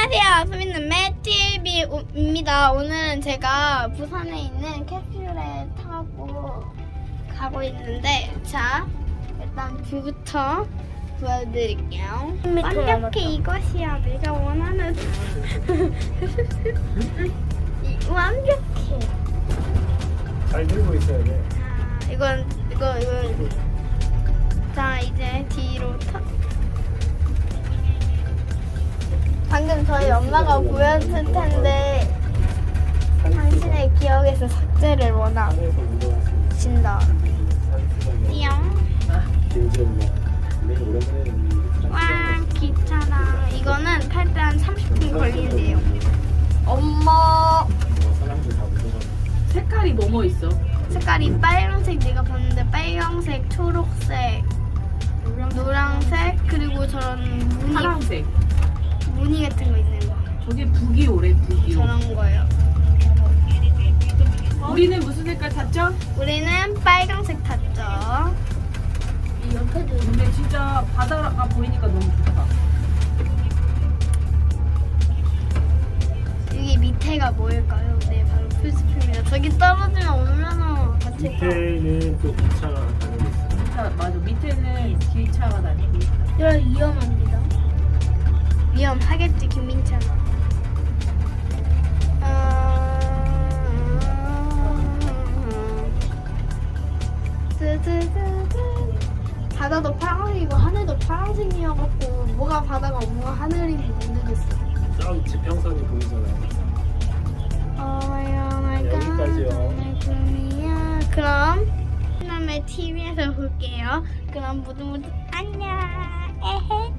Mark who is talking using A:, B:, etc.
A: 안녕하세요. 소민남매 TV입니다. 오늘은 제가 부산에 있는 캡슐에 타고 가고 있는데, 자, 일단 뷰부터 보여드릴게요. 완벽해. 이것이야 내가 원하는 완벽해.
B: 잘 들고 있어야 돼.
A: 자, 이건 자, 이제 뒤로 방금 저희 엄마가 보였을 텐데 당신의 기억에서 삭제를 원하신다. 띠용. 와, 기차랑 이거는 탈 때 한 30분 걸린대요. 엄마.
C: 색깔이 뭐뭐 있어?
A: 색깔이 빨간색 내가 봤는데 빨간색, 초록색, 노란색 그리고 저런
C: 파란색.
A: 무늬 같은 거 있는 거.
C: 저게 북이오래, 북이오.
A: 저런 거요.
C: 우리는 무슨 색깔 탔죠?
A: 우리는 빨간색 탔죠.
C: 이 옆에도. 근데 진짜 바다가 보이니까 너무 좋다.
A: 여기 밑에가 뭐일까요? 네, 바로 풀스프입니다. 저기 떨어지면 얼마나 다칠까.
B: 밑에는 또 기차가 다니고 있어.
C: 기차, 맞아. 밑에는 기차가 다니고 있다.
A: 이런 위험합니다. 위험하겠지, 김민찬아. 바다도 파란색이고 하늘도 파란색이어갖고 뭐가 바다가 뭐가 하늘인지 모르겠어.
B: 저 지평선이 보이잖아요. 여기까지요.
A: 그럼 다음에 TV에서 볼게요. 그럼 모두 안녕. 에헤.